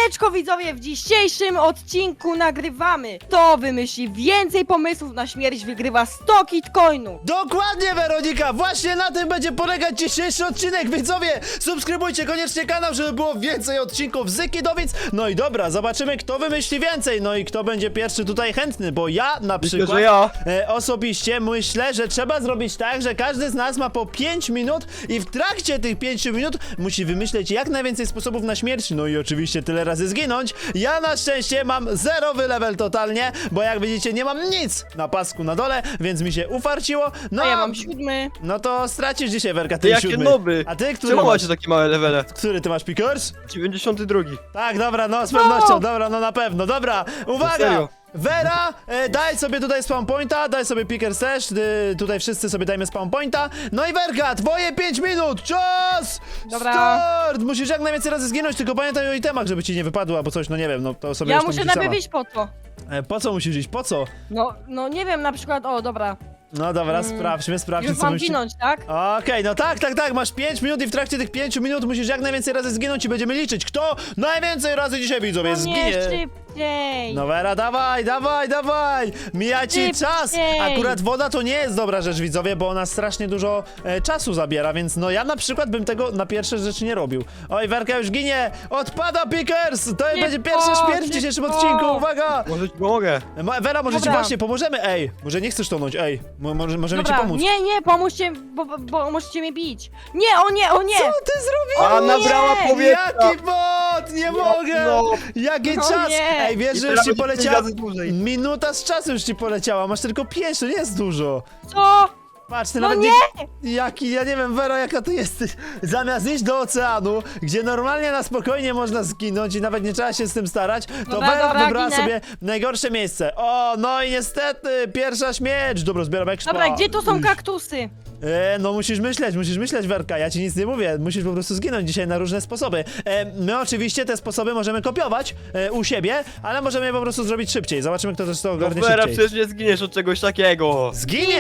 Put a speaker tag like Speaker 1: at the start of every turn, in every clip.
Speaker 1: Siemaneczko widzowie, w dzisiejszym odcinku nagrywamy. Kto wymyśli więcej pomysłów na śmierć, wygrywa 100 kitcoinów.
Speaker 2: Dokładnie, Weronika! Właśnie na tym będzie polegać dzisiejszy odcinek, widzowie! Subskrybujcie koniecznie kanał, żeby było więcej odcinków z Kidowic. No i dobra, zobaczymy, kto wymyśli więcej. No i kto będzie pierwszy tutaj chętny, bo ja na przykład
Speaker 3: że ja.
Speaker 2: Osobiście myślę, że trzeba zrobić tak, że każdy z nas ma po 5 minut i w trakcie tych 5 minut musi wymyśleć jak najwięcej sposobów na śmierć. No i oczywiście tyle razy zginąć. Ja na szczęście mam zerowy level totalnie, bo jak widzicie nie mam nic na pasku na dole, więc mi się ufarciło. No
Speaker 1: A ja mam 7.
Speaker 2: No to stracisz dzisiaj, Werka,
Speaker 3: Ty
Speaker 2: ten
Speaker 3: jakie
Speaker 2: 7.
Speaker 3: noby!
Speaker 2: A ty, który
Speaker 3: Czemu
Speaker 2: masz?
Speaker 3: macie takie małe levele?
Speaker 2: Który ty masz, Pickers?
Speaker 3: 92.
Speaker 2: Tak, dobra, no z pewnością, dobra, no na pewno, dobra, uwaga!
Speaker 3: serio?
Speaker 2: Vera, daj sobie tutaj spawn pointa, daj sobie Pickers też, tutaj wszyscy sobie dajmy spawn pointa. No i Werka, twoje 5 minut, czas!
Speaker 1: Dobra.
Speaker 2: Start! Musisz jak najwięcej razy zginąć, tylko pamiętaj o itemach, żeby ci nie wypadło, albo coś, no nie wiem, no to sobie
Speaker 1: Ja
Speaker 2: już to
Speaker 1: muszę
Speaker 2: musisz
Speaker 1: najpierw
Speaker 2: sama.
Speaker 1: iść po to.
Speaker 2: Po co musisz iść, po co?
Speaker 1: No nie wiem, na przykład, o dobra.
Speaker 2: No dobra, sprawdźmy,
Speaker 1: Już
Speaker 2: co
Speaker 1: mam
Speaker 2: musisz...
Speaker 1: ginąć, tak?
Speaker 2: Okej, no tak, masz 5 minut i w trakcie tych 5 minut musisz jak najwięcej razy zginąć i będziemy liczyć, kto najwięcej razy dzisiaj, widzowie,
Speaker 1: No nie,
Speaker 2: zginie.
Speaker 1: szybciej.
Speaker 2: No Vera, dawaj! Mija ci
Speaker 1: Szybciej.
Speaker 2: czas! Akurat woda to nie jest dobra rzecz, widzowie, bo ona strasznie dużo czasu zabiera, więc no ja na przykład bym tego na pierwsze rzeczy nie robił. Oj, Werka już ginie! Odpada Pickers! To będzie pierwsza śmierć w dzisiejszym
Speaker 1: szybko.
Speaker 2: odcinku, uwaga!
Speaker 3: Może ci pomogę.
Speaker 2: Vera, może ci
Speaker 1: Dobra.
Speaker 2: właśnie pomożemy, ej! Może nie chcesz tonąć, ej! Możemy ci
Speaker 1: Dobra,
Speaker 2: pomóc.
Speaker 1: nie, pomóżcie, bo możecie mnie bić. Nie, o nie!
Speaker 2: Co ty zrobiłeś?
Speaker 3: A nabrała
Speaker 1: nie!
Speaker 3: powietrza!
Speaker 2: Jaki bot! Nie mogę!
Speaker 3: no.
Speaker 2: Jaki
Speaker 1: No
Speaker 2: czas!
Speaker 1: nie.
Speaker 2: Ej, wiesz,
Speaker 3: I
Speaker 2: że już ci
Speaker 3: teraz
Speaker 2: poleciała...
Speaker 3: razy dłużej.
Speaker 2: Minuta z czasu już ci poleciała, masz tylko 5, to nie jest dużo.
Speaker 1: Co?
Speaker 2: Patrz, ty
Speaker 1: No
Speaker 2: nawet
Speaker 1: nie!
Speaker 2: Jaki, ja nie wiem, Wero, jaka ty jesteś. Zamiast iść do oceanu, gdzie normalnie na spokojnie można zginąć i nawet nie trzeba się z tym starać, to
Speaker 1: Dobra,
Speaker 2: Wera
Speaker 1: dobra,
Speaker 2: wybrała
Speaker 1: ginę.
Speaker 2: sobie najgorsze miejsce. O, no i niestety, pierwsza śmierć. Dobra, zbieram expa.
Speaker 1: Dobra, gdzie tu są kaktusy?
Speaker 2: No musisz myśleć, Werka, ja ci nic nie mówię, musisz po prostu zginąć dzisiaj na różne sposoby. My oczywiście te sposoby możemy kopiować u siebie, ale możemy je po prostu zrobić szybciej. Zobaczymy, kto też to
Speaker 3: No
Speaker 2: ogarnie
Speaker 3: Vera,
Speaker 2: szybciej.
Speaker 3: przecież nie zginiesz od czegoś takiego.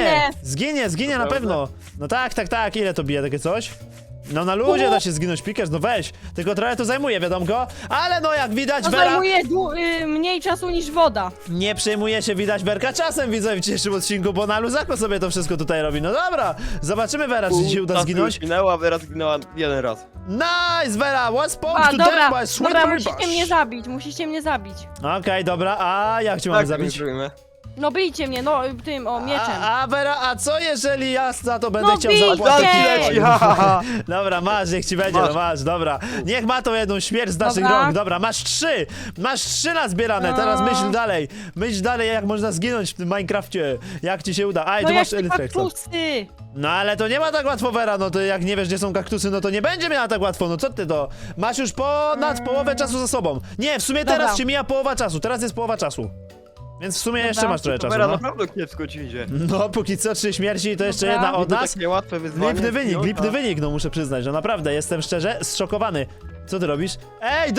Speaker 2: Zginie
Speaker 3: To
Speaker 2: na
Speaker 3: prawda.
Speaker 2: pewno. No tak, ile to bije takie coś? No na luzie da się zginąć, Pickers, no weź. Tylko trochę to zajmuje, wiadomko. Ale no jak widać,
Speaker 1: To
Speaker 2: Vera
Speaker 1: zajmuje mniej czasu niż woda.
Speaker 2: nie przejmuje się, widać, Werka czasem, widzę w dzisiejszym odcinku, bo na luzako sobie to wszystko tutaj robi. No dobra, zobaczymy, Vera, czy ci się uda
Speaker 3: Czasu
Speaker 2: zginąć.
Speaker 3: już minęła, Vera zginęła jeden raz.
Speaker 2: Nice, Vera, what's spoke
Speaker 1: A,
Speaker 2: to
Speaker 1: dobra,
Speaker 2: them by sweet
Speaker 1: dobra,
Speaker 2: Mary
Speaker 1: musicie mnie zabić.
Speaker 2: Okej, dobra, a jak cię mamy
Speaker 3: Tak,
Speaker 2: zabić?
Speaker 3: zrobimy.
Speaker 1: No bijcie mnie, no tym, mieczem.
Speaker 2: A Vera, a co jeżeli ja za to będę
Speaker 1: No
Speaker 2: chciał
Speaker 1: bijcie!
Speaker 2: zapłacić?
Speaker 1: Walki
Speaker 3: leci, ha, ha, ha.
Speaker 2: Dobra, masz, niech ci będzie,
Speaker 3: Masz.
Speaker 2: no masz, dobra. Niech ma to jedną śmierć z naszych
Speaker 1: Dobra.
Speaker 2: rąk, dobra, masz 3! Masz 3 nazbierane, teraz myśl dalej, jak można zginąć w tym Minecrafcie. Jak ci się uda? Aj,
Speaker 1: No
Speaker 2: tu masz
Speaker 1: jakie
Speaker 2: Elytrek.
Speaker 1: kaktusy!
Speaker 2: No ale to nie ma tak łatwo, Vera, no to jak nie wiesz, gdzie są kaktusy, no to nie będzie miała tak łatwo, no co ty to? Masz już ponad połowę czasu za sobą. Nie, w sumie teraz
Speaker 1: Dobra.
Speaker 2: ci mija połowa czasu, teraz jest połowa czasu. Więc w sumie jeszcze masz trochę
Speaker 3: To
Speaker 2: czasu,
Speaker 3: Vera
Speaker 2: no.
Speaker 3: naprawdę kiepsko ci idzie.
Speaker 2: No, póki co 3 śmierci, to jeszcze
Speaker 1: Dobra.
Speaker 2: jedna od
Speaker 3: Niby
Speaker 2: nas.
Speaker 3: takie łatwe wyzwanie.
Speaker 2: Lipny wynik, no muszę przyznać, że naprawdę jestem szczerze zszokowany. Co ty robisz? Ej,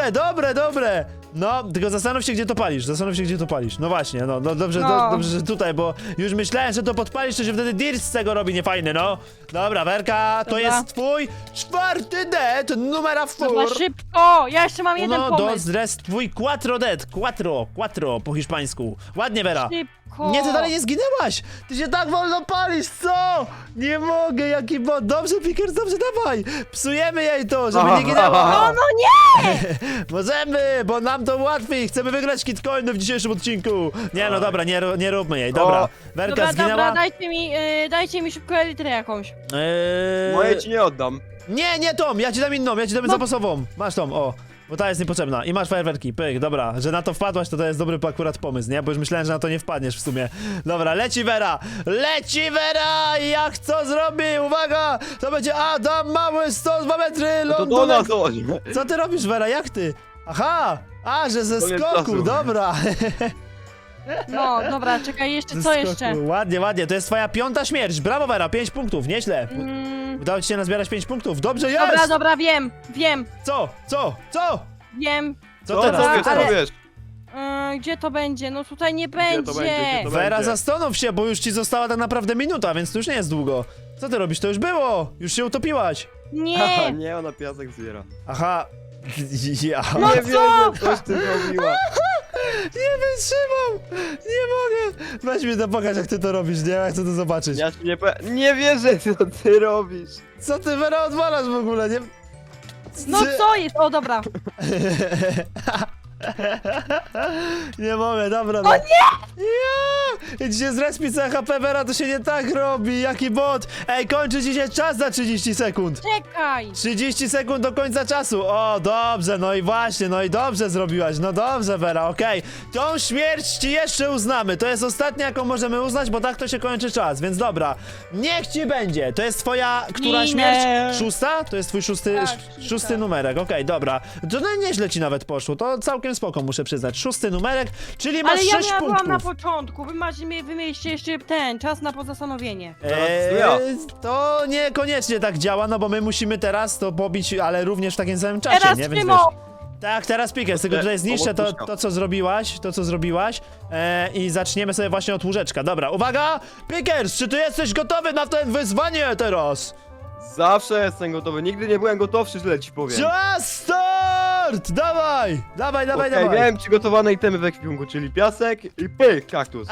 Speaker 2: dobre! No, tylko zastanów się, gdzie to palisz. No właśnie, no dobrze,
Speaker 1: No.
Speaker 2: dobrze, że tutaj, bo już myślałem, że to podpalisz, to się wtedy dirt z tego robi niefajny, no. Dobra, Werka, to
Speaker 1: Dobra.
Speaker 2: jest twój 4. dead, numera 4.
Speaker 1: Dobra, szybko! Ja jeszcze mam jeden
Speaker 2: No,
Speaker 1: pomysł.
Speaker 2: jest twój 4 dead, quattro po hiszpańsku. Ładnie, Vera.
Speaker 1: Szybko!
Speaker 2: Nie, ty dalej nie zginęłaś! Ty się tak wolno palisz, co? Nie mogę, jaki bot. Dobrze, Pickers, dobrze, dawaj! Psujemy jej to, żeby nie ginęła.
Speaker 1: No nie!
Speaker 2: Możemy, bo nam to łatwiej. Chcemy wygrać kitcoiny w dzisiejszym odcinku. Nie, no dobra, nie róbmy jej, dobra.
Speaker 3: O.
Speaker 2: Werka
Speaker 1: Dobra,
Speaker 2: zginęła.
Speaker 1: dajcie mi szybko elitrę jakąś.
Speaker 3: Moje ci nie oddam.
Speaker 2: Nie tą, ja ci dam inną, ja ci dam zapasową. Masz tą, o. Bo ta jest niepotrzebna. I masz fajerwerki, pyk, dobra. Że na to wpadłaś, to jest dobry akurat pomysł, nie? Bo już myślałem, że na to nie wpadniesz w sumie. Dobra, leci Vera! Jak co zrobi? Uwaga! To będzie Adam Mały, 102 metry,
Speaker 3: To do
Speaker 2: lądunek.
Speaker 3: nas chodź.
Speaker 2: Co ty robisz, Vera? Jak ty? Aha! A, że ze
Speaker 3: Koniec
Speaker 2: skoku,
Speaker 3: czasu.
Speaker 2: dobra.
Speaker 1: No, dobra, czekaj, jeszcze,
Speaker 2: Ze
Speaker 1: co
Speaker 2: skoku.
Speaker 1: jeszcze?
Speaker 2: Ładnie, to jest twoja 5. śmierć. Brawo, Vera, 5 punktów, nieźle. Udało ci się nazbierać 5 punktów. Dobrze, jest!
Speaker 1: Dobra, wiem.
Speaker 2: Co?
Speaker 1: Wiem.
Speaker 2: Co
Speaker 3: Co
Speaker 2: teraz?
Speaker 3: wiesz,
Speaker 1: ale-
Speaker 3: co wiesz?
Speaker 1: Gdzie to będzie? No tutaj nie
Speaker 3: to
Speaker 1: będzie.
Speaker 3: będzie?
Speaker 2: Vera, zastanów się, bo już ci została tak naprawdę minuta, więc to już nie jest długo. Co ty robisz? To już było! Już się utopiłaś.
Speaker 3: Haha,
Speaker 1: Nie.
Speaker 3: nie, ona piasek zbiera.
Speaker 2: Aha, Ja
Speaker 1: No
Speaker 3: nie
Speaker 1: co?
Speaker 3: wierzę, coś ty zrobiła.
Speaker 2: nie wytrzymam! Nie mogę! Weź mi to pokaż, jak ty to robisz, nie? Ja chcę to zobaczyć.
Speaker 3: Ja ci nie wierzę, co ty robisz.
Speaker 2: Co ty, Vera, odwalasz w ogóle, nie?
Speaker 1: No co jest? O, dobra.
Speaker 2: Nie mogę, dobra. No nie! Ja! Idzie z respi CHP, Vera, to się nie tak robi, jaki bot! Ej, kończy ci się czas za 30 sekund!
Speaker 1: Czekaj.
Speaker 2: 30 sekund do końca czasu! O, dobrze, no i właśnie, no i dobrze zrobiłaś, no dobrze, Vera, okej. Tą śmierć ci jeszcze uznamy, to jest ostatnia, jaką możemy uznać, bo tak to się kończy czas, więc dobra. Niech ci będzie, to jest twoja, która
Speaker 1: Ginę.
Speaker 2: śmierć? Szósta? To jest twój szósty,
Speaker 1: Tak,
Speaker 2: szósty
Speaker 1: szósta.
Speaker 2: numerek, okej, dobra. To no, nieźle ci nawet poszło, to całkiem spoko, muszę przyznać. Szósty numerek, czyli masz
Speaker 1: Ale ja
Speaker 2: 6
Speaker 1: byłam
Speaker 2: punktów.
Speaker 1: na początku. Wy mieliście jeszcze ten czas na pozastanowienie.
Speaker 3: ja.
Speaker 2: To niekoniecznie tak działa, no bo my musimy teraz to pobić, ale również w takim samym czasie,
Speaker 1: Teraz
Speaker 2: nie? Więc
Speaker 1: Tymo.
Speaker 2: tak, teraz Pickers, tylko tutaj zniszczę to co zrobiłaś i zaczniemy sobie właśnie od łóżeczka. Dobra, uwaga! Pickers, czy ty jesteś gotowy na ten wyzwanie teraz?
Speaker 3: Zawsze jestem gotowy, nigdy nie byłem gotowszy, źle ci powiem.
Speaker 2: Czas start! Dawaj! Dawaj, dawaj,
Speaker 3: Okej,
Speaker 2: dawaj!
Speaker 3: miałem przygotowane itemy w ekwipunku, czyli piasek i pyk, kaktus.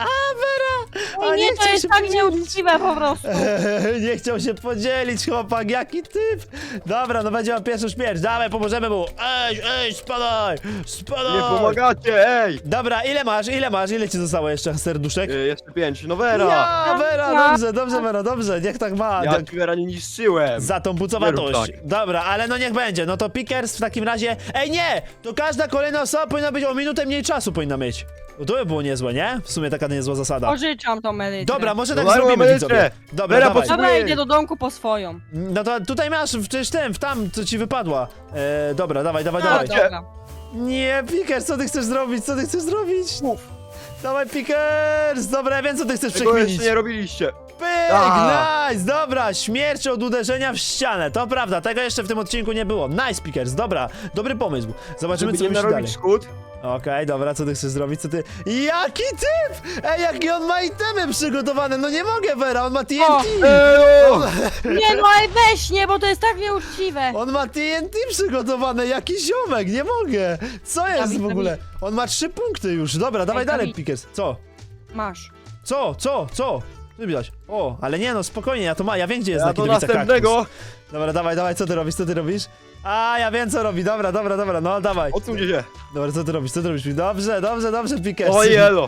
Speaker 2: A,
Speaker 1: Nie, to
Speaker 2: chciał
Speaker 1: jest
Speaker 2: się
Speaker 1: tak
Speaker 2: podzielić.
Speaker 1: nieuczciwe po prostu.
Speaker 2: Nie chciał się podzielić, chłopak, jaki typ! Dobra, no będzie miał pierwszą śmierć, dawaj, pomożemy mu! Ej, spadaj! Spadaj!
Speaker 3: Nie pomagacie, ej!
Speaker 2: Dobra, ile ci zostało jeszcze serduszek?
Speaker 3: Jeszcze 5, no Vera!
Speaker 2: Ja, Vera,
Speaker 1: Ja.
Speaker 2: dobrze, Vera, dobrze, niech tak ma.
Speaker 3: Ja ci Vera nie niszczyłem!
Speaker 2: Za tą
Speaker 3: Nie
Speaker 2: pucowatość.
Speaker 3: rób tak.
Speaker 2: Dobra, ale no niech będzie, no to Pickers w takim razie... Ej, nie! To każda kolejna osoba powinna być o minutę mniej czasu powinna mieć. No to by było niezłe, nie? W sumie taka niezła zasada.
Speaker 1: Pożyczam tą edycję.
Speaker 2: Dobra, może
Speaker 3: No
Speaker 2: tak
Speaker 3: daj,
Speaker 2: zrobimy,
Speaker 3: mamy
Speaker 2: widzowie.
Speaker 3: jeszcze.
Speaker 2: Dobra,
Speaker 3: Vera,
Speaker 2: dawaj.
Speaker 1: Dobra,
Speaker 3: Ojej.
Speaker 1: idę do domku po swoją.
Speaker 2: No to tutaj masz, przecież w tam, co ci wypadła. Dobra, dawaj.
Speaker 1: A,
Speaker 3: Dawajcie.
Speaker 1: dobra.
Speaker 2: Nie, Pickers, co ty chcesz zrobić? Co ty chcesz zrobić? Dawaj, Pickers! Dobra, ja wiem, co ty chcesz
Speaker 3: Tego
Speaker 2: przekminić.
Speaker 3: jeszcze nie robiliście.
Speaker 2: Pyk,
Speaker 3: A.
Speaker 2: nice, dobra, śmierć od uderzenia w ścianę, to prawda, tego jeszcze w tym odcinku nie było. Nice, Pickers, dobra, dobry pomysł. Zobaczymy,
Speaker 3: Żeby
Speaker 2: co
Speaker 3: nie
Speaker 2: myśli dalej.
Speaker 3: narobić szkód.
Speaker 2: Okej, dobra, co ty chcesz zrobić, co ty... Jaki typ! Ej, jaki on ma itemy przygotowane, no nie mogę, Vera, on ma TNT!
Speaker 3: Ejo!
Speaker 1: Nie no, ale weź nie, bo to jest tak nieuczciwe.
Speaker 2: On ma TNT przygotowane, jaki ziomek, nie mogę! Co jest
Speaker 1: Dawid,
Speaker 2: w ogóle? On ma 3 punkty już, dobra, dawaj dalej,
Speaker 1: Dawid.
Speaker 2: Pickers. Co?
Speaker 1: Masz.
Speaker 2: Co? Co widać? O, ale nie no, spokojnie, ja wiem, gdzie jest
Speaker 3: Ja
Speaker 2: na
Speaker 3: do
Speaker 2: kierownica
Speaker 3: następnego!
Speaker 2: kaktus. Dobra, dawaj, co ty robisz? A, ja wiem, co robi, dobra, no dawaj.
Speaker 3: Odsuńcie się!
Speaker 2: Dobra, co ty robisz? Dobrze, Pickers.
Speaker 3: O jelo!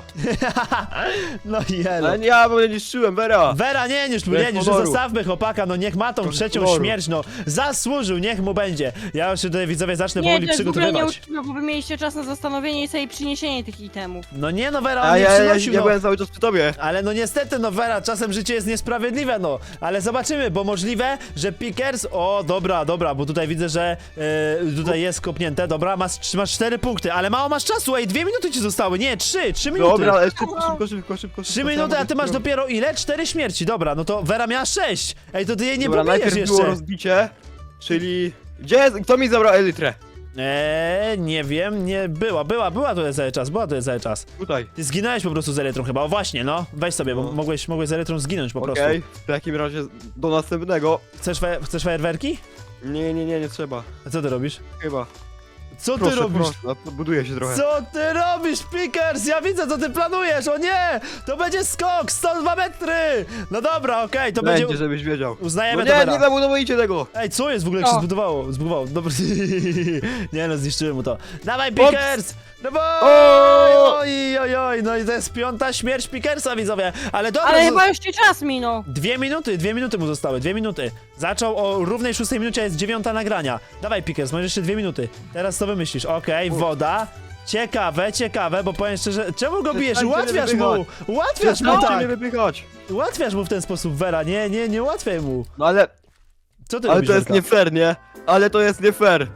Speaker 2: No jelo.
Speaker 3: Ale ja bo nie niszczyłem, Vera!
Speaker 2: Vera, nie, już
Speaker 3: Bez honoru.
Speaker 2: zostawmy chłopaka, no niech ma tą
Speaker 3: Bez
Speaker 2: trzecią
Speaker 3: honoru.
Speaker 2: śmierć, no. Zasłużył, niech mu będzie. Ja już się tutaj, widzowie, zacznę
Speaker 1: Nie,
Speaker 2: powoli
Speaker 1: to jest w ogóle
Speaker 2: przygotowywać.
Speaker 1: nieuczciwe, bo wy mieliście czas na zastanowienie i sobie przyniesienie tych itemów.
Speaker 2: No nie, no Vera, on
Speaker 3: A
Speaker 2: nie
Speaker 3: ja
Speaker 2: przynosił, no.
Speaker 3: byłem cały czas przy tobie.
Speaker 2: Ale no niestety, no Vera, czasem życie jest niesprawiedliwe, no. Ale zobaczymy, bo możliwe, że Pickers... O, dobra, bo tutaj widzę, że tutaj jest kopnięte, dobra, masz 4 punkty, ale mało masz czasu, ej, 2 minuty ci zostały, nie, 3 minuty.
Speaker 3: Dobra, szybko.
Speaker 2: 3 minuty, a ty masz dopiero ile? 4 śmierci, dobra, no to Vera miała 6. Ej, to ty jej nie
Speaker 3: Dobra,
Speaker 2: pobijesz
Speaker 3: najpierw było
Speaker 2: jeszcze.
Speaker 3: rozbicie, czyli... Gdzie jest? Kto mi zabrał elytrę?
Speaker 2: Nie wiem, nie, była tutaj cały czas,
Speaker 3: Tutaj.
Speaker 2: Ty zginąłeś po prostu z Elytrą chyba, o właśnie, no, weź sobie, bo
Speaker 3: No.
Speaker 2: mogłeś z Elytrą zginąć po prostu.
Speaker 3: Okej, w takim razie do następnego.
Speaker 2: Chcesz fajerwerki?
Speaker 3: Nie trzeba.
Speaker 2: A co ty robisz?
Speaker 3: Chyba.
Speaker 2: Co ty robisz?
Speaker 3: Buduję się trochę.
Speaker 2: Co ty robisz, Pickers? Ja widzę, co ty planujesz, o nie! To będzie skok, 102 metry! No dobra, okej, to będzie...
Speaker 3: Będzie, żebyś wiedział.
Speaker 2: Uznajemy
Speaker 3: No
Speaker 2: to,
Speaker 3: nie,
Speaker 2: Vera.
Speaker 3: nie zabudowujcie tego!
Speaker 2: Ej, co jest w ogóle, jak się
Speaker 1: O.
Speaker 2: zbudowało? Dobra. Nie no, zniszczyłem mu to. Dawaj,
Speaker 3: Ops.
Speaker 2: Pickers! Dawaj!
Speaker 3: O!
Speaker 2: Oj, no i to jest 5. śmierć Pickersa, widzowie. Ale dobra,
Speaker 1: Ale chyba już ci czas minął.
Speaker 2: 2 minuty mu zostały, 2 minuty. Zaczął o równej 6 minucie, jest 9 nagrania. Dawaj, Pickers, masz jeszcze 2 minuty. Teraz co wymyślisz? Okej, woda. Ciekawe, bo powiem szczerze, czemu go bijesz?
Speaker 3: Przestańcie
Speaker 2: Ułatwiasz
Speaker 3: mnie
Speaker 2: mu! Ułatwiasz mu
Speaker 3: Przestańcie
Speaker 2: tak!
Speaker 3: mnie wypychać!
Speaker 2: Ułatwiasz mu w ten sposób, Vera, nie ułatwiaj mu.
Speaker 3: No ale
Speaker 2: Co ty
Speaker 3: to
Speaker 2: robisz,
Speaker 3: jest
Speaker 2: Werka?
Speaker 3: nie fair, nie? Ale to jest nie fair.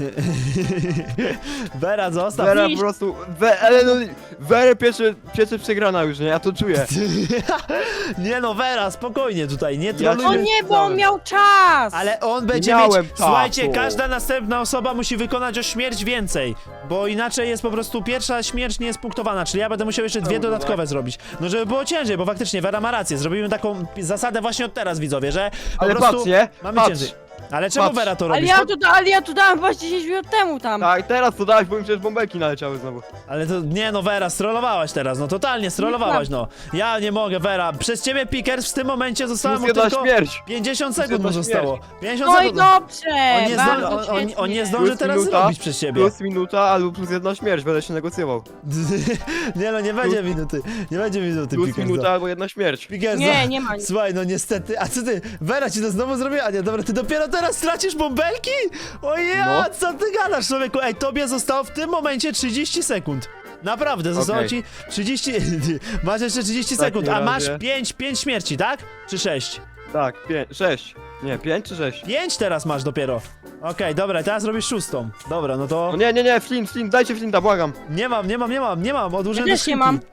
Speaker 2: Vera, zostaw.
Speaker 3: Vera
Speaker 1: Widzisz?
Speaker 3: po prostu... ale no... Werę pieczy przegrana już, nie? Ja to czuję.
Speaker 2: Nie no, Vera, spokojnie tutaj, nie
Speaker 3: Ja
Speaker 2: trolujmy.
Speaker 1: O
Speaker 3: cię-
Speaker 1: nie, bo on miał czas.
Speaker 2: Ale on będzie
Speaker 3: miałem
Speaker 2: mieć...
Speaker 3: czasu.
Speaker 2: Słuchajcie, każda następna osoba musi wykonać o śmierć więcej, bo inaczej jest po prostu pierwsza śmierć nie jest punktowana, czyli ja będę musiał jeszcze 2
Speaker 3: No,
Speaker 2: dodatkowe zrobić. No żeby było ciężej, bo faktycznie Vera ma rację, zrobimy taką zasadę właśnie od teraz, widzowie, że po
Speaker 3: Ale
Speaker 2: prostu
Speaker 3: patrz, nie?
Speaker 2: mamy
Speaker 3: Patrz.
Speaker 2: ciężej. Ale czemu
Speaker 3: Patrz.
Speaker 2: Vera to
Speaker 1: Ale
Speaker 2: robisz?
Speaker 1: ja tu dałem właśnie 10 minut temu tam.
Speaker 3: Tak, teraz to dałeś, bo mi przecież bąbelki naleciały znowu.
Speaker 2: Ale to, nie no Vera, strollowałaś teraz, no totalnie strollowałaś, no. Ja nie mogę, Vera, przez ciebie Pickers w tym momencie zostało mu
Speaker 3: Plus jedna
Speaker 2: tylko
Speaker 3: śmierć.
Speaker 2: 50 sekund mu
Speaker 3: jedna
Speaker 2: zostało. 50
Speaker 1: No i
Speaker 2: sekund.
Speaker 1: dobrze,
Speaker 2: On nie,
Speaker 1: bardzo
Speaker 2: on nie
Speaker 1: świetnie.
Speaker 2: zdąży
Speaker 3: Plus
Speaker 2: teraz
Speaker 3: minuta,
Speaker 2: zrobić przez ciebie.
Speaker 3: Plus minuta albo plus jedna śmierć, będę się negocjował.
Speaker 2: Nie no, nie będzie minuty, nie będzie minuty,
Speaker 3: Plus
Speaker 2: Pickers.
Speaker 3: minuta albo jedna śmierć.
Speaker 2: Pickers,
Speaker 1: Nie, nie ma nic.
Speaker 2: Słuchaj, no niestety, a co ty, Vera ci to znowu zrobiła? A nie, dobra, ty dopiero teraz stracisz bąbelki? Ojej,
Speaker 3: No.
Speaker 2: co ty gadasz, człowieku? Ej, tobie zostało w tym momencie 30 sekund. Naprawdę, zostało
Speaker 3: Okej.
Speaker 2: ci 30, masz jeszcze 30
Speaker 3: W takim
Speaker 2: sekund, a masz
Speaker 3: razie-
Speaker 2: 5 śmierci, tak? Czy 6?
Speaker 3: Tak, 6. Nie, 5 czy 6?
Speaker 2: 5 teraz masz dopiero. Okej, dobra, teraz robisz 6. Dobra, no to...
Speaker 3: No nie, Flint, dajcie Flinta, błagam.
Speaker 2: Nie mam, odłożyłem
Speaker 1: Ja
Speaker 2: do
Speaker 1: też nie
Speaker 2: skrzynki.
Speaker 1: mam.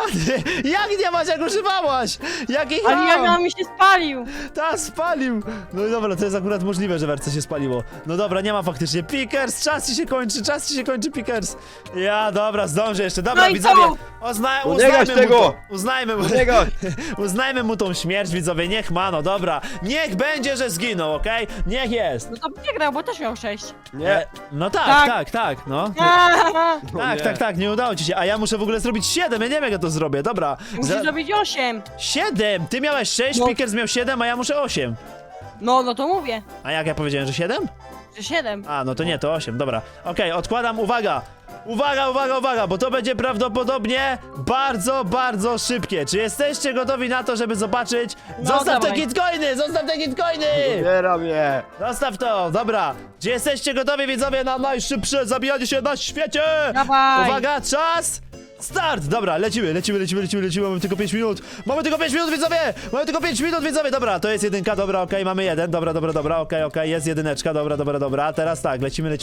Speaker 2: Jak nie masz, jak używałaś? Jaki
Speaker 1: Ale
Speaker 2: ham?
Speaker 1: ja mi się spalił.
Speaker 2: Ta, spalił! No i dobra, to jest akurat możliwe, że werce się spaliło. No dobra, nie ma faktycznie. Pickers, czas ci się kończy, Pickers. Ja, dobra, zdążę jeszcze. Dobra,
Speaker 1: No i
Speaker 2: widzowie,
Speaker 1: co?
Speaker 2: uznajmy
Speaker 3: gaś
Speaker 2: mu
Speaker 3: tego!
Speaker 2: to. Uznajmy mu,
Speaker 3: Nie gaś.
Speaker 2: uznajmy mu tą śmierć, widzowie, niech ma, no dobra. Niech będzie, że zginął, okej? Niech jest.
Speaker 1: No to przegrał, bo też miał 6.
Speaker 3: Nie.
Speaker 2: No
Speaker 1: Tak.
Speaker 2: tak, no.
Speaker 3: No
Speaker 2: Tak, nie udało ci się, a ja muszę w ogóle zrobić 7, ja nie wiem jak ja to zrobię, dobra.
Speaker 1: Musisz zrobić 8.
Speaker 2: 7! Ty miałeś 6,
Speaker 1: No.
Speaker 2: Pickers miał 7, a ja muszę 8.
Speaker 1: No to mówię,
Speaker 2: A jak ja powiedziałem, że 7?
Speaker 1: że 7.
Speaker 2: A, no to nie, to 8, dobra. Okej, odkładam, uwaga! Uwaga, bo to będzie prawdopodobnie bardzo szybkie. Czy jesteście gotowi na to, żeby zobaczyć?
Speaker 1: No,
Speaker 2: Zostaw te
Speaker 1: dawaj.
Speaker 2: kitcoiny! Zostaw te kitcoiny!
Speaker 3: Zbieram je.
Speaker 2: Zostaw to, dobra. Czy jesteście gotowi, widzowie, na najszybsze zabijanie się na świecie?
Speaker 1: Dawaj.
Speaker 2: Uwaga, czas! Start! Dobra, lecimy, mamy tylko 5 minut. Mamy tylko 5 minut, widzowie! Mamy tylko 5 minut, widzowie! Dobra, to jest jedynka, dobra, okej, mamy jeden, dobra, okej, jest jedyneczka, dobra. Teraz tak, lecimy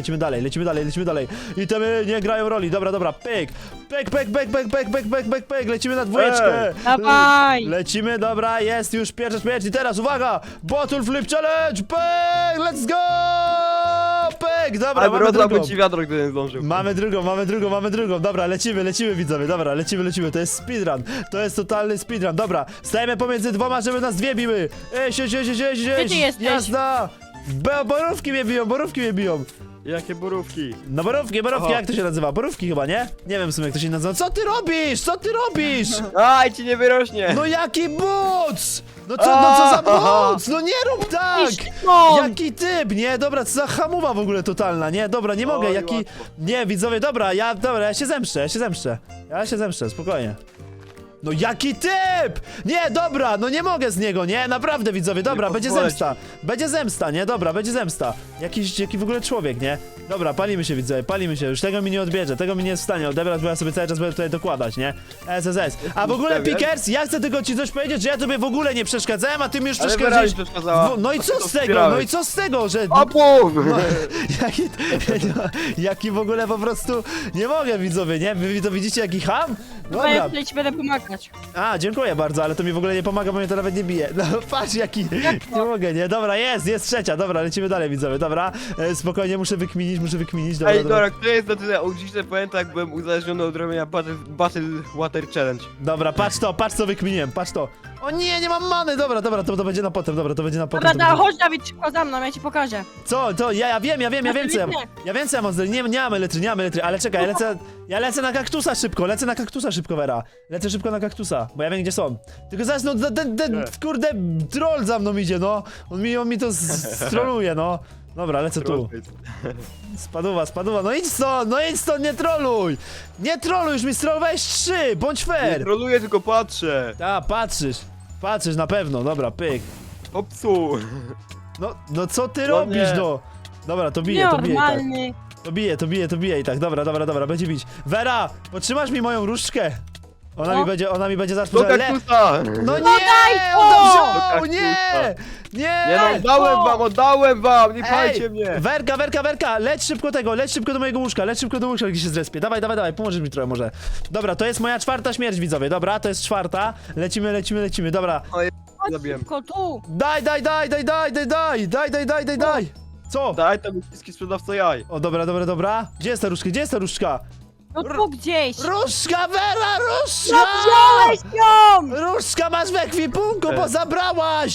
Speaker 2: dalej. I te nie grają roli, dobra, pyk, lecimy na dwójeczkę.
Speaker 1: Dawaj.
Speaker 2: Lecimy, dobra, jest już pierwsza śmierć i teraz, uwaga! Bottle Flip Challenge, pyk, let's go! Pyk, dobra,
Speaker 3: Ale
Speaker 2: mamy
Speaker 3: rozdałby
Speaker 2: drugą.
Speaker 3: ci wiadro, gdy nie zdążył.
Speaker 2: Mamy drugą, dobra, lecimy widzowie, dobra, lecimy, to jest speedrun, to jest totalny speedrun, dobra, stajemy pomiędzy dwoma, żeby nas dwie biły,
Speaker 1: Gdzie ty jesteś?
Speaker 2: jazda, borówki mnie biją,
Speaker 3: Jakie borówki.
Speaker 2: no borówki,
Speaker 3: Aha.
Speaker 2: jak to się nazywa, borówki chyba, nie? Nie wiem w sumie jak to się nazywa, co ty robisz?
Speaker 3: Aj, ci nie wyrośnie.
Speaker 2: No jaki buc! No co za buc, no nie rób tak!
Speaker 1: Iść stąd.
Speaker 2: Jaki typ, nie? Dobra, co za hamuwa w ogóle totalna, nie? Dobra, nie mogę,
Speaker 3: Oj,
Speaker 2: jaki...
Speaker 3: łatwo.
Speaker 2: Nie, widzowie, dobra, ja się zemszczę, spokojnie. No jaki typ! Nie, dobra, no nie mogę z niego, nie? Naprawdę, widzowie, dobra,
Speaker 3: Nie
Speaker 2: będzie
Speaker 3: pozwolę
Speaker 2: zemsta, nie? Dobra, będzie zemsta. Jaki w ogóle człowiek, nie? Dobra, palimy się, widzowie, już tego mi nie odbierze, tego mi nie jest w stanie odebrać, bo ja sobie cały czas będę tutaj dokładać, nie? SSS. A w ogóle,
Speaker 3: ustawiać?
Speaker 2: Pickers, ja chcę tylko ci coś powiedzieć, że ja tobie w ogóle nie przeszkadzałem, a ty mi już
Speaker 3: Ale
Speaker 2: przeszkadzałeś.
Speaker 3: Vera mi przeszkadzała.
Speaker 2: No i
Speaker 3: A
Speaker 2: co
Speaker 3: ty to
Speaker 2: z tego,
Speaker 3: wspierałeś.
Speaker 2: że...
Speaker 3: O bum!
Speaker 2: Jaki w ogóle po prostu... Nie mogę, widzowie, nie? Wy to widzicie, jaki ham?
Speaker 1: Dobra, ja
Speaker 2: Dobra.
Speaker 1: tutaj ci będę pomagać.
Speaker 2: A, dziękuję bardzo, ale to mi w ogóle nie pomaga, bo mnie to nawet nie bije. No patrz jaki, nie mogę, nie? Dobra, jest trzecia, dobra, lecimy dalej, widzowie, dobra. Spokojnie, muszę wykminić, dobra,
Speaker 3: Ej, dobra, kto jest na tyle OG, że pamięta, jak byłem uzależniony od robienia Battle Water Challenge.
Speaker 2: Dobra, patrz co wykminiłem, patrz to. O nie mam many, dobra, to będzie na potem, dobra, to będzie na potem.
Speaker 1: Dobra,
Speaker 2: to będzie...
Speaker 1: chodź Dawid, szybko za mną, ja ci pokażę.
Speaker 2: Co, to, ja wiem co ja...
Speaker 1: nie.
Speaker 2: Ja wiem co ja mam zrobić, nie mamy letry, ale czekaj, ja lecę na kaktusa szybko, Vera. Lecę szybko na kaktusa, bo ja wiem gdzie są. Tylko zaraz, no, ten kurde, troll za mną idzie, no. On mi to stroluje, no. Dobra, lecę tu. Spaduwa, no idź stąd, nie troluj! Nie troluj, już mi strolowałeś 3, bądź
Speaker 3: Nie
Speaker 2: fair!
Speaker 3: troluję, tylko patrzę.
Speaker 2: A, patrzysz na pewno, dobra, pyk.
Speaker 3: Popsu.
Speaker 2: No co ty
Speaker 3: No
Speaker 2: robisz,
Speaker 3: nie.
Speaker 2: no? Dobra, to bije i tak.
Speaker 1: Normalny.
Speaker 2: To bije i tak, dobra, będzie bić. Vera, potrzymasz mi moją różdżkę? Ona
Speaker 1: No.
Speaker 2: mi będzie zaraz
Speaker 3: Do
Speaker 2: potrzebna.
Speaker 3: kaktusa.
Speaker 2: No nie,
Speaker 1: daj to!
Speaker 2: on to wziął,
Speaker 3: Do kaktusa.
Speaker 2: nie,
Speaker 3: Nie no, oddałem wam, nie pajcie mnie.
Speaker 2: Werka, leć szybko do mojego łóżka, gdzie się zrespię. Dawaj, pomożesz mi trochę może. Dobra, to jest moja 4. śmierć, widzowie, dobra, to jest 4. Lecimy, dobra.
Speaker 1: Chodź
Speaker 3: Zabiłem.
Speaker 1: szybko tu.
Speaker 2: Daj. Co?
Speaker 3: Daj tam uciski sprzedawca jaj.
Speaker 2: O, dobra. Gdzie jest ta różdżka?
Speaker 1: No tu gdzieś.
Speaker 2: Różdżka, Vera,
Speaker 1: No
Speaker 2: różdżka!
Speaker 1: wziąłeś ją!
Speaker 2: Różdżka masz w ekwipunku, bo zabrałaś!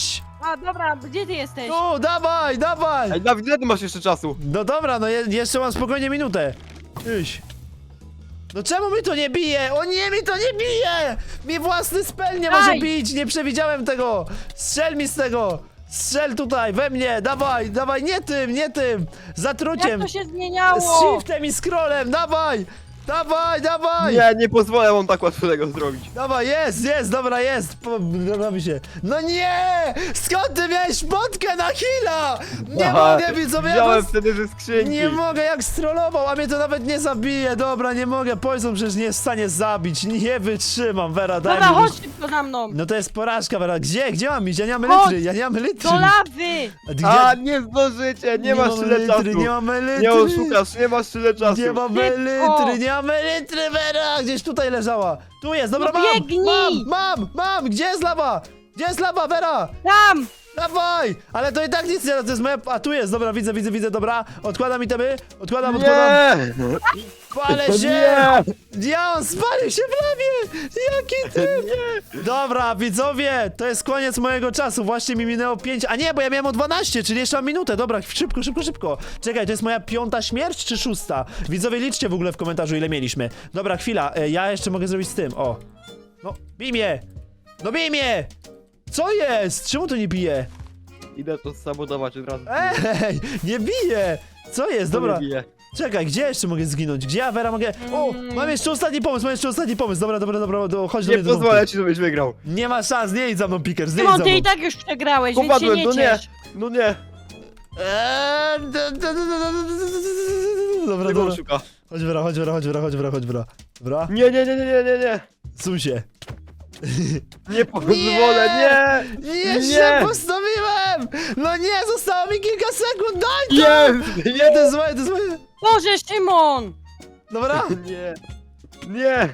Speaker 1: A, dobra, gdzie ty jesteś?
Speaker 2: Tu, dawaj, dawaj!
Speaker 3: Ej, Dawid, ile ty masz jeszcze czasu?
Speaker 2: No dobra, no jeszcze mam spokojnie minutę. Iś. No czemu mi to nie bije? O nie, mi to nie bije! Mi własny spell nie może
Speaker 1: Daj!
Speaker 2: bić, nie przewidziałem tego! Strzel mi z tego! Strzel tutaj, we mnie, dawaj, dawaj, nie tym, nie tym!
Speaker 1: Jak
Speaker 2: Zatruciem!
Speaker 1: to się
Speaker 2: Z
Speaker 1: zmieniało?
Speaker 2: shiftem i scrollem, dawaj! Dawaj, dawaj!
Speaker 3: Nie podzwolę wam tak łatwo tego zrobić.
Speaker 2: Dawaj, jest, dobra, jest! Robi się. No nie! Skąd ty miałeś potkę na heala? Nie
Speaker 3: Aha,
Speaker 2: mogę, widzowie, ja
Speaker 3: wziąłem
Speaker 2: was...
Speaker 3: wtedy ze skrzynki.
Speaker 2: Nie mogę, jak strollował, a mnie to nawet nie zabije. Dobra, nie mogę, Poison przecież nie jest w stanie zabić. Nie wytrzymam, Vera, daj
Speaker 1: Dobra,
Speaker 2: mi...
Speaker 1: chodź szybko za mną.
Speaker 2: No to jest porażka, Vera. Gdzie mam iść? Ja nie mam
Speaker 1: Chodź!
Speaker 2: elitry, ja nie mam elitry.
Speaker 1: Do lawy!
Speaker 2: A ty
Speaker 3: A,
Speaker 2: gdzie?
Speaker 3: nie zdążycie, nie masz
Speaker 2: mam
Speaker 3: tyle czasu.
Speaker 2: elitry, nie mam elitry.
Speaker 3: Nie oszukasz, nie masz tyle czasu.
Speaker 2: Nie mam
Speaker 1: Szybko!
Speaker 2: elitry, nie mam elitry, Vera! Gdzieś tutaj leżała. Tu jest, dobra,
Speaker 1: No biegnij!
Speaker 2: mam! Gdzie jest lawa? Gdzie jest lawa, Vera?
Speaker 1: Tam!
Speaker 2: Dawaj! Ale to i tak nic nie da, to jest moja... A tu jest, dobra, widzę, dobra. Odkładam itemy, odkładam.
Speaker 3: Nie!
Speaker 2: Palę się!
Speaker 3: Nie!
Speaker 2: Ja, on spalił się w lawie! Jaki ty... Dobra, widzowie, to jest koniec mojego czasu. Właśnie mi minęło 5... A nie, bo ja miałem o 12, czyli jeszcze mam minutę. Dobra, szybko. Czekaj, to jest moja 5. śmierć czy 6? Widzowie, liczcie w ogóle w komentarzu, ile mieliśmy. Dobra, chwila, ja jeszcze mogę zrobić z tym, o. No, bij mnie! No bij mnie! Co jest? Czemu to nie bije?
Speaker 3: Idę to sabotować od razu.
Speaker 2: Ej, nie bije! Co jest?
Speaker 3: To
Speaker 2: Dobra,
Speaker 3: mnie bije.
Speaker 2: czekaj, gdzie jeszcze mogę zginąć? Gdzie ja, Vera, mogę... O, mam jeszcze ostatni pomysł, Dobra, chodź do
Speaker 3: Nie
Speaker 2: mnie. do domu.
Speaker 3: pozwolę ci, żebyś wygrał.
Speaker 2: Nie ma szans, nie idź za mną, Pickers, nie idź
Speaker 1: Szymon,
Speaker 2: za
Speaker 1: ty
Speaker 2: mną.
Speaker 1: i tak już przegrałeś, więc się
Speaker 3: Popadłem,
Speaker 1: nie
Speaker 3: no nie.
Speaker 1: ciesz.
Speaker 3: No nie.
Speaker 2: Dobra,
Speaker 3: Tego
Speaker 2: dobra.
Speaker 3: szuka.
Speaker 2: Chodź, Vera. Dobra,
Speaker 3: Nie.
Speaker 2: suń się.
Speaker 3: Nie pozwolę, nie.
Speaker 2: Jeszcze
Speaker 3: Nie.
Speaker 2: postawiłem! No nie, zostało mi kilka sekund, daj to!
Speaker 3: Jest.
Speaker 2: Nie, to jest moje.
Speaker 1: Boże, Szymon!
Speaker 2: Dobra?
Speaker 3: Nie. Nie.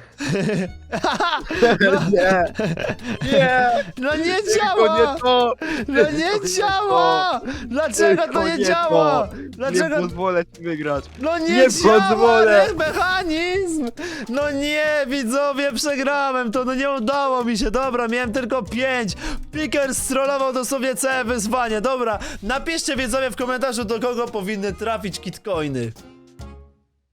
Speaker 3: Nie. Nie.
Speaker 2: No nie
Speaker 3: Tylko
Speaker 2: działa!
Speaker 3: nie to.
Speaker 2: No nie działa! Dlaczego to
Speaker 3: Tylko
Speaker 2: nie
Speaker 3: nie
Speaker 2: działa?
Speaker 3: to.
Speaker 2: Dlaczego?
Speaker 3: Nie pozwolę ci wygrać.
Speaker 2: No nie
Speaker 3: Nie
Speaker 2: działa
Speaker 3: pozwolę.
Speaker 2: ten mechanizm! No nie, widzowie, przegrałem to, no nie udało mi się, dobra, miałem tylko 5. Pickers strollował dosłownie całe wyzwanie, dobra. Napiszcie, widzowie, w komentarzu, do kogo powinny trafić kitcoiny.